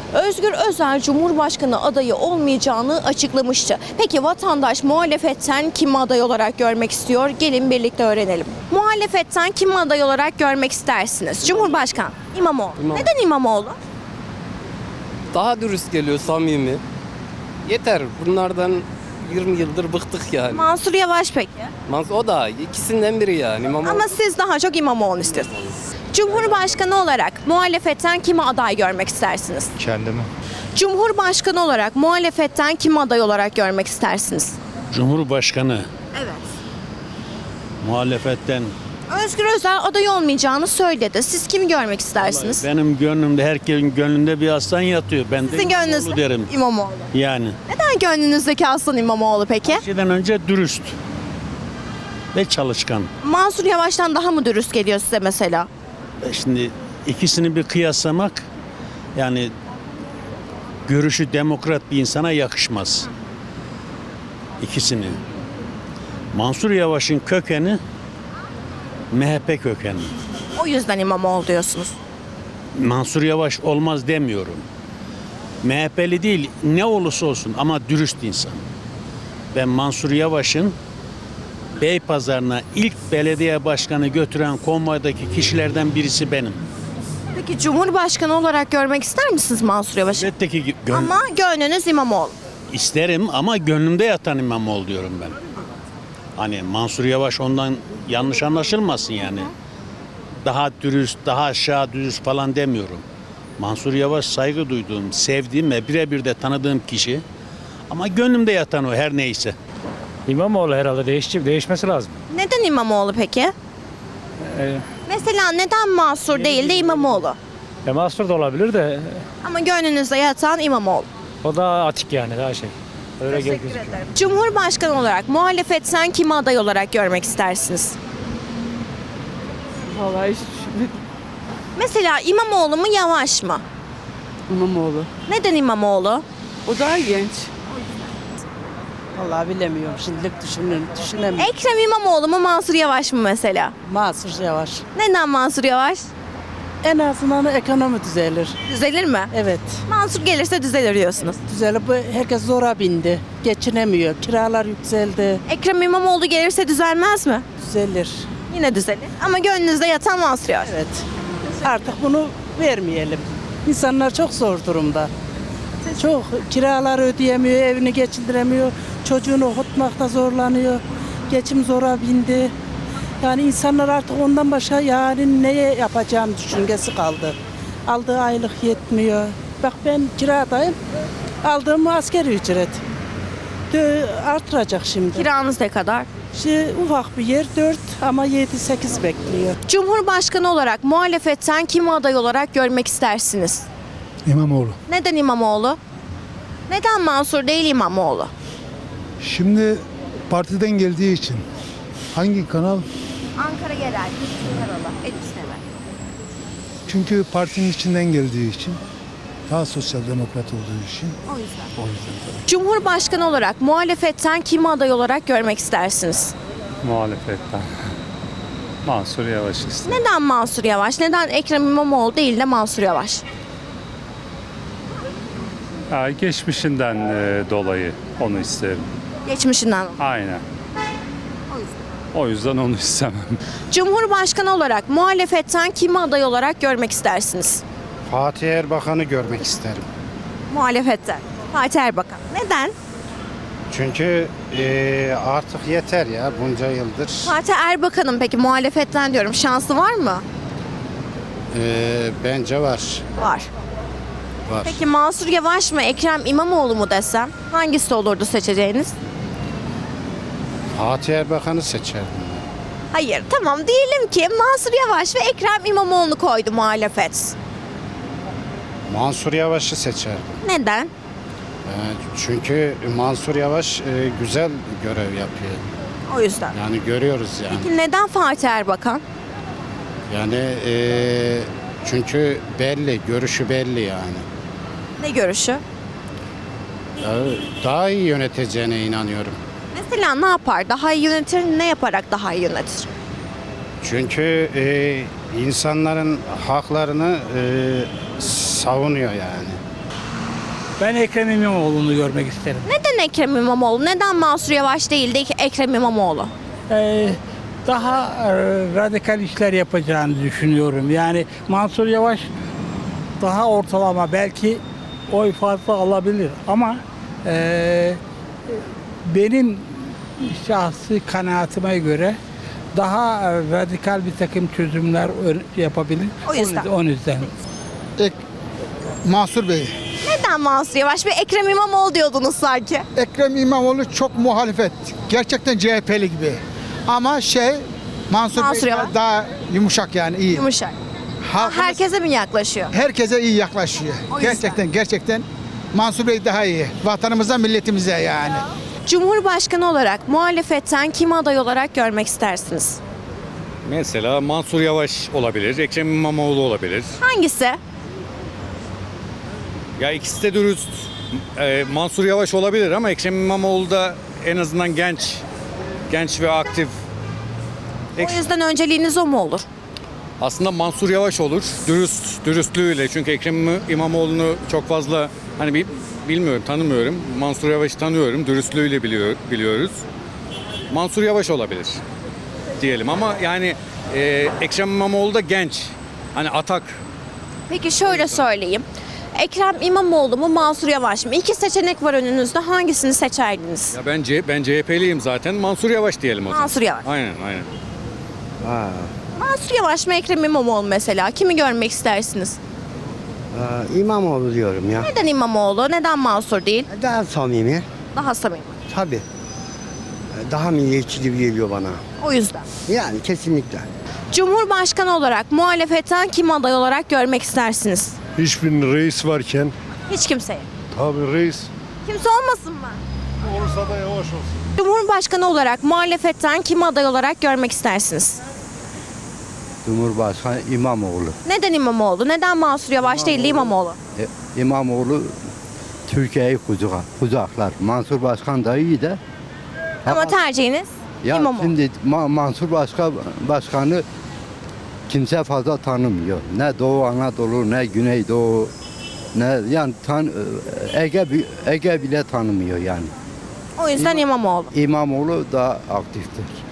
Özgür Özel Cumhurbaşkanı adayı olmayacağını açıklamıştı. Peki vatandaş muhalefetten kimi aday olarak görmek istiyor? Gelin birlikte öğrenelim. Muhalefetten kimi aday olarak görmek istersiniz? Cumhurbaşkanı İmamoğlu. Neden İmamoğlu? Daha dürüst geliyor, samimi. Yeter. Bunlardan 20 yıldır bıktık yani. Mansur Yavaş peki? O da ikisinden biri yani. Ama siz daha çok İmamoğlu istiyorsunuz. Cumhurbaşkanı olarak muhalefetten kimi aday görmek istersiniz? Kendimi. Cumhurbaşkanı olarak muhalefetten kimi aday olarak görmek istersiniz? Cumhurbaşkanı Evet. muhalefetten Özgür Özel aday olmayacağını söyledi. Siz kimi görmek istersiniz? benim gönlümde, herkesin gönlünde bir aslan yatıyor. Ben de Sizin İmamoğlu gönlünüzde derim. İmamoğlu. Yani Neden gönlünüzdeki aslan İmamoğlu peki? her şeyden önce dürüst ve çalışkan. Mansur Yavaş'tan daha mı dürüst geliyor size mesela? Şimdi ikisini bir kıyaslamak yani görüşü demokrat bir insana yakışmaz. İkisini. Mansur Yavaş'ın kökeni MHP kökeni. O yüzden İmamoğlu diyorsunuz. Mansur Yavaş olmaz demiyorum. MHP'li değil ne olursa olsun ama dürüst insan. Ben Mansur Yavaş'ın Beypazarı'na ilk belediye başkanı götüren konvoydaki kişilerden birisi benim. Peki Cumhurbaşkanı olarak görmek ister misiniz Mansur Yavaş'ı? Elbette ki Ama gönlünüz İmamoğlu. isterim ama gönlümde yatan İmamoğlu diyorum ben. Hani Mansur Yavaş ondan yanlış anlaşılmasın yani. Daha dürüst, daha aşağı dürüst falan demiyorum. Mansur Yavaş saygı duyduğum, sevdiğim ve birebir de tanıdığım kişi. Ama gönlümde yatan o her neyse. İmamoğlu herhalde değişmesi lazım. Neden İmamoğlu peki? Mesela neden Mansur değil de İmamoğlu? Mahsur da olabilir de Ama gönlünüzde yatan İmamoğlu. o da atik yani daha şey. Öyle gözüküyor. Cumhurbaşkanı olarak muhalefetten kimi aday olarak görmek istersiniz? Vallahi Mesela İmamoğlu mu Yavaş mı? İmamoğlu. Neden İmamoğlu? O daha genç. Vallahi bilemiyorum. Şimdilik düşünemiyorum. Ekrem İmamoğlu mu Mansur Yavaş mı mesela? Mansur Yavaş. Neden Mansur Yavaş? En azından ekonomi düzelir. Düzelir mi? Evet. Mansur gelirse düzelir diyorsunuz. Düzelir. Bu herkes zora bindi. Geçinemiyor. Kiralar yükseldi. Ekrem İmamoğlu gelirse düzelmez mi? Düzelir. Yine düzelir. Ama gönlünüzde yatan Mansur Yavaş. Evet. Artık bunu vermeyelim. İnsanlar çok zor durumda. Çok kiralar ödeyemiyor, evini geçindiremiyor. Çocuğunu okutmakta zorlanıyor. Geçim zora bindi. Yani insanlar artık ondan başka yani neye yapacağını düşüncesi kaldı. Aldığı aylık yetmiyor. Bak ben kiradayım. Aldığım asgari ücret. Artıracak şimdi. Kiranız ne kadar? Ufak bir yer 4 ama 7-8 bekliyor. Cumhurbaşkanı olarak muhalefetten kimi aday olarak görmek istersiniz? İmamoğlu. Neden İmamoğlu? Neden Mansur değil İmamoğlu? Şimdi partiden geldiği için hangi kanal? Ankara Yerel, Karalı, Edisneme. Çünkü partinin içinden geldiği için, daha sosyal demokrat olduğu için. O yüzden. O yüzden tabii. Cumhurbaşkanı olarak muhalefetten kimi aday olarak görmek istersiniz? Muhalefetten. Mansur Yavaş istedim. Neden Mansur Yavaş? Neden Ekrem İmamoğlu değil de Mansur Yavaş? Geçmişinden dolayı onu isterim. Geçmişinden. Aynen. O yüzden onu istemem. Cumhurbaşkanı olarak muhalefetten kimi aday olarak görmek istersiniz? Fatih Erbakan'ı görmek isterim. Muhalefetten. Fatih Erbakan. Neden? Çünkü artık yeter ya bunca yıldır. Fatih Erbakan'ın peki muhalefetten diyorum şansı var mı? Bence var. Var. Var. Peki Mansur Yavaş mı Ekrem İmamoğlu mu desem hangisi olurdu seçeceğiniz? Fatih Erbakan'ı seçerdim. Hayır tamam diyelim ki Mansur Yavaş ve Ekrem İmamoğlu'nu koydu muhalefet. Mansur Yavaş'ı seçerdim. Neden? Çünkü Mansur Yavaş güzel görev yapıyor. O yüzden. Yani görüyoruz yani. Peki neden Fatih Erbakan? Yani çünkü belli, görüşü belli yani. Ne görüşü? Daha iyi yöneteceğine inanıyorum. Mesela ne yapar? Daha iyi yönetir, ne yaparak daha iyi yönetir? Çünkü insanların haklarını savunuyor yani. Ben Ekrem İmamoğlu'nu görmek isterim. Neden Ekrem İmamoğlu? Neden Mansur Yavaş değil de Ekrem İmamoğlu? Daha radikal işler yapacağını düşünüyorum. Yani Mansur Yavaş daha ortalama, belki oy fazla alabilir ama benim şahsi kanaatime göre daha radikal bir takım çözümler yapabilir. O yüzden. Onun yüzden. Mansur Bey. Neden Mansur Yavaş ve Ekrem İmamoğlu diyordunuz sanki? Ekrem İmamoğlu çok muhalefet. Gerçekten CHP'li gibi. Ama Mansur Mansur Bey Yavaş. daha yumuşak yani iyi. Yumuşak. Halkımız Herkese mi yaklaşıyor? herkese iyi yaklaşıyor. O yüzden. Gerçekten Mansur Bey daha iyi. Vatanımıza, milletimize yani. Cumhurbaşkanı olarak muhalefetten kimi aday olarak görmek istersiniz? Mesela Mansur Yavaş olabilir, Ekrem İmamoğlu olabilir. Hangisi? Ya ikisi de dürüst. Mansur Yavaş olabilir ama Ekrem İmamoğlu da en azından genç ve aktif. O yüzden önceliğiniz o mu olur? Aslında Mansur Yavaş olur, dürüstlüğüyle. Çünkü Ekrem İmamoğlu'nu çok fazla bilmiyorum, tanımıyorum. Mansur Yavaş'ı tanıyorum, dürüstlüğüyle biliyoruz. Mansur Yavaş olabilir diyelim ama yani Ekrem İmamoğlu da genç. Hani atak. Peki şöyle söyleyeyim. Ekrem İmamoğlu mu Mansur Yavaş mı? İki seçenek var önünüzde. Hangisini seçerdiniz? Ya ben CHP'liyim zaten. Mansur Yavaş diyelim o zaman. Mansur Yavaş. Aynen. Mansur Yavaş mı Ekrem İmamoğlu mesela? Kimi görmek istersiniz? İmamoğlu diyorum ya. Neden İmamoğlu? Neden Mansur değil? Daha samimi. Daha samimi. Tabii. Daha milliyetçi geliyor bana. O yüzden. Yani kesinlikle. Cumhurbaşkanı olarak muhalefetten kimi aday olarak görmek istersiniz? Hiçbir reis varken Hiç kimseye. tabii reis Kimse olmasın mı? olursa da yavaş olsun. Cumhurbaşkanı olarak muhalefetten kimi aday olarak görmek istersiniz? Cumhurbaşkanı İmamoğlu. Neden İmamoğlu? Neden Mansur Yavaş değil de İmamoğlu? İmamoğlu Türkiye'yi kucaklar. Mansur Başkan da iyi de. Ama tercihiniz Ya İmamoğlu. şimdi Mansur Başkanı kimse fazla tanımıyor. Ne Doğu Anadolu, ne Güneydoğu, ne yani Ege bile tanımıyor yani. O yüzden İmamoğlu. İmamoğlu daha aktiftir.